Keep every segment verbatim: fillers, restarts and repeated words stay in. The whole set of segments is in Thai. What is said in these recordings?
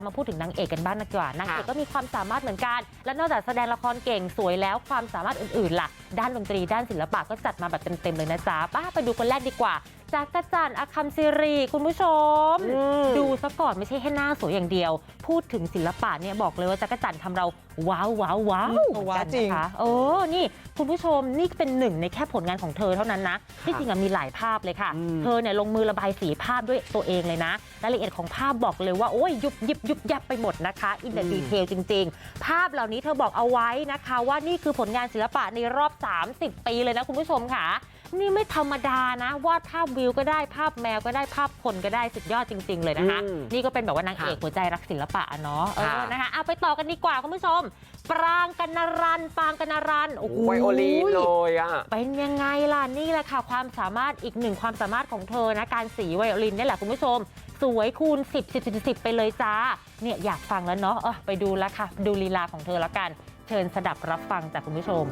มาพูดถึงนางเอกกันบ้างดีกว่านางเอกก็มีความสามารถเหมือนกันและนอกจากแสดงละครเก่งสวยแล้วความสามารถอื่นๆล่ะด้านดนตรีด้านศิลปะก็จัดมาแบบเต็มๆเลยนะจ๊ะป้าไปดูคนแรกดีกว่าจักรจันทร์อคัมซิรีคุณผู้ชมดูซะก่อนไม่ใช่แค่หน้าสวยอย่างเดียวพูดถึงศิลปะเนี่ยบอกเลยว่าจักรจันทร์ทำเราว้าวว้าวว้าวว้าวจริงนะคะโอ้นี่คุณผู้ชมนี่เป็นหนึ่งในแค่ผลงานของเธอเท่านั้นนะที่จริงมีหลายภาพเลยค่ะเธอเนี่ยลงมือระบายสีภาพด้วยตัวเองเลยนะรายละเอียดของภาพบอกเลยว่าโอ้ยยุบยิบยุบยับไปหมดนะคะอินเดดีเทลจริงๆภาพเหล่านี้เธอบอกเอาไว้นะคะว่านี่คือผลงานศิลปะในรอบสามสิบปีเลยนะคุณผู้ชมค่ะนี่ไม่ธรรมดานะวาดภาพวิวก็ได้ภาพแมวก็ได้ภาพคนก็ได้สุดยอดจริงๆเลยนะคะนี่ก็เป็นแบบว่านางเอกหัวใจรักศิลปะเนาะเออนะคะเอาไปต่อกันดีกว่าคุณผู้ชมปรางกัณรันปรางกัณรันโอ้โหไวโอลินเลยอ่ะเป็นยังไงล่ะนี่แหละค่ะความสามารถอีกหนึ่งความสามารถของเธอนะการสีไวโอลินนี่แหละคุณผู้ชมสวยคูณสิบ สิบ สิบ สิบไปเลยจ้าเนี่ยอยากฟังแล้วเนาะเออไปดูแล้วค่ะดูลีลาของเธอแล้วกันเชิญสดับรับฟังจากคุณผู้ชม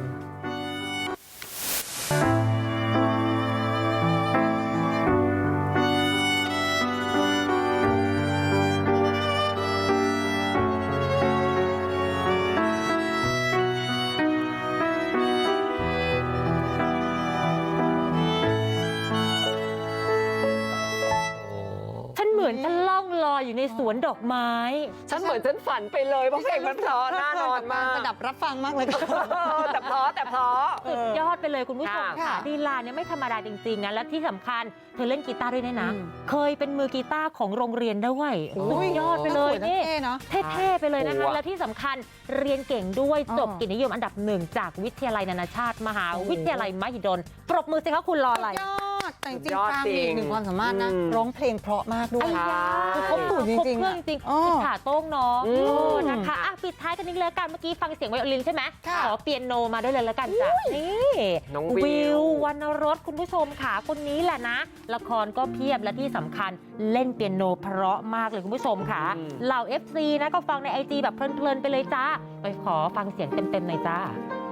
เหมือนฉันล่องลอยอยู่ในสวนดอกไม้ฉันเหมือนฉันฝันไปเลยเพราะเพลงมันเพราะน่านอนมากสดับรับฟังมากเลยค่ะแต่เพราะแต่เพราะสุดยอดไปเลยคุณผู้ชมค่ะลีลาเนี่ยไม่ธรรมดาจริงๆนะและที่สำคัญเธอเล่นกีตาร์ด้วยนะเคยเป็นมือกีตาร์ของโรงเรียนด้วยสุดยอดไปเลยนี่เท่ๆไปเลยนะคะและที่สำคัญเรียนเก่งด้วยจบเกียรตินิยมอันดับหนึ่งจากวิทยาลัยนานาชาติมหาวิทยาลัยมหิดลปรบมือสิคะคุณรออะไรยอดแต่จริงๆปรางมีอีกหนึ่งความสามารถนะร้องเพลงเพราะมากด้วยคือครบสูตรจริงๆจริงๆอิจฉาโต้งเนาะนะคะอ่ะปิดท้ายกันนิดเลยกันเมื่อกี้ฟังเสียงไวโอลินใช่ไหมขอเปียโนมาด้วยเลยแล้วกันจ้ะนี่วิววรรณรสคุณผู้ชมค่ะคนนี้แหละนะละครก็เพียบและที่สำคัญเล่นเปียโนเพราะมากเลยคุณผู้ชมค่ะเหล่า เอฟ ซี นะก็ฟังใน ไอ จี แบบเพลินๆไปเลยจ้าไปขอฟังเสียงเต็มๆหน่อยจ้า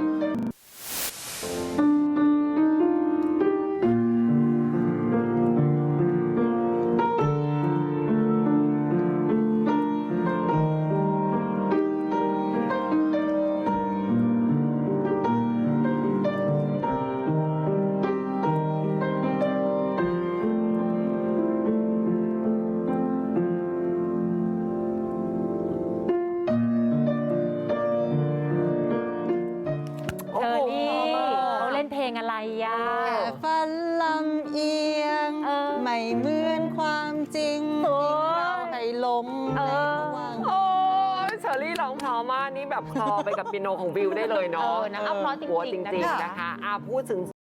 อะไรอ่ะแค่ฝันลำเอียงไม่เหมือนความจริงที่เราให้หลงในวังโอ้ยเชอรี่ร้องเพราะมากนี่แบบคลอไปกับเปียโนของวิวได้เลยเนาะนะเอาเพราะจริงๆนะคะพูดถึง